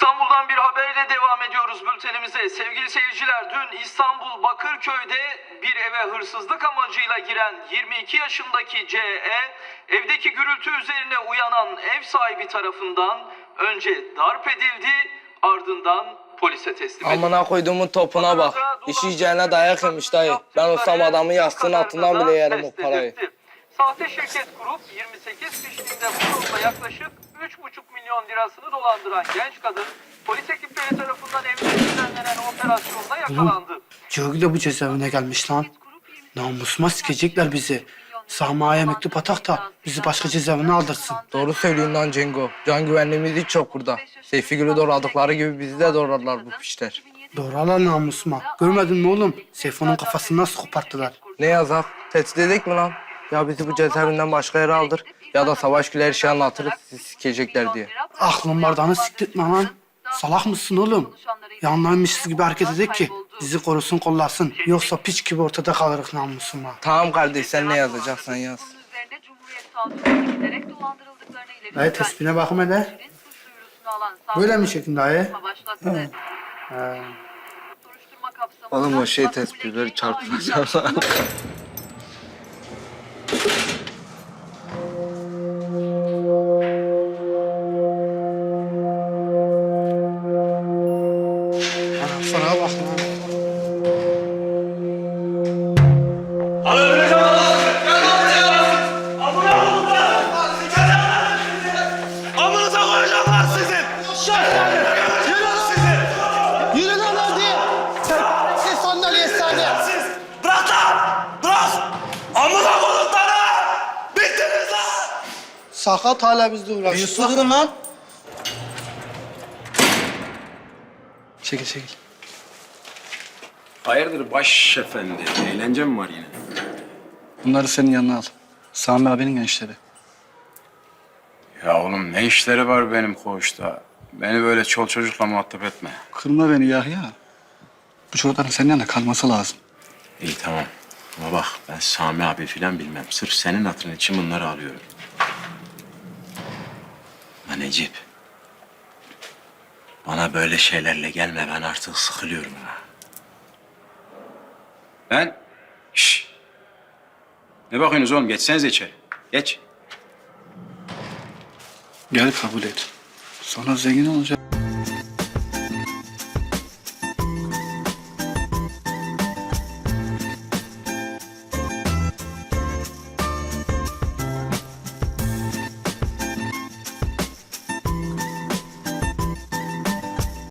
İstanbul'dan bir haberle devam ediyoruz bültenimize. Sevgili seyirciler, dün İstanbul Bakırköy'de bir eve hırsızlık amacıyla giren 22 yaşındaki C.E. evdeki gürültü üzerine uyanan ev sahibi tarafından önce darp edildi, ardından polise teslim edildi. Amına koyduğumun topuna bak. İş yiyeceğine dayak yemiş dayı. Ben olsam adamı yastığın altından bile yerim o parayı. Sahte şirket kurup 28 kişiliğinde bu yolda yaklaşık 3,5 milyon lirasını dolandıran genç kadın polis ekipleri tarafından evinde düzenlenen operasyonda yakalandı. Cihogil de bu cezaevine gelmiş lan. Namusuma sikecekler bizi. Sahma'ya mektup atak da bizi başka cezaevine aldırsın. Doğru söylüyorsun lan Cengo. Can güvenliğimiz hiç yok burada. Seyfi Gül'ü doğradıkları gibi bizi de doğrarlar bu pişler. Doğrular namusuma. Görmedin mi oğlum? Seyfo'nun kafasını nasıl koparttılar? Ne yazar? Tehdit edik mi lan? Ya bizi bu cezaevinden başka yere aldır ya da Savaş Gül'e her şeyi anlatırız sizi sikecekler diye. Aklın bardağını siktirtme lan. Salak mısın oğlum? Yanlarmışız gibi hareket edek ki bizi korusun kollasın. Yoksa piç gibi ortada kalırız namusuma. Tamam kardeş, sen ne yazacaksan yaz. Dayı tespihine bakım hele. Böyle mi çekin dayı? Oğlum o şey tespihleri çarpılacak. Sana bak lan. Amınıza koyacaklar sizin! Yürü sizi! Yürü lan hadi! Siz sandalye saniye! Siz! Bırak lan! Bırak! Amına koydukları! Bittiniz lan! Sakat hala bizle uğraşıyor. Durun lan! Çekil çekil. Hayırdır baş efendi? Eğlence mi var yine? Bunları senin yanına al. Sami abinin gençleri. Ya oğlum ne işleri var benim koğuşta? Beni böyle çol çocukla muhatap etme. Kırma beni Yahya. Bu çocukların senin yanında kalması lazım. İyi tamam. Ama bak ben Sami abi filan bilmem. Sırf senin hatırın için bunları alıyorum. Ama Necip. Bana böyle şeylerle gelme. Ben artık sıkılıyorum ha. Şşş. Ne bakıyorsunuz oğlum? Geçsenize içeri. Geç. Gel kabul et. Sonra zengin olacak.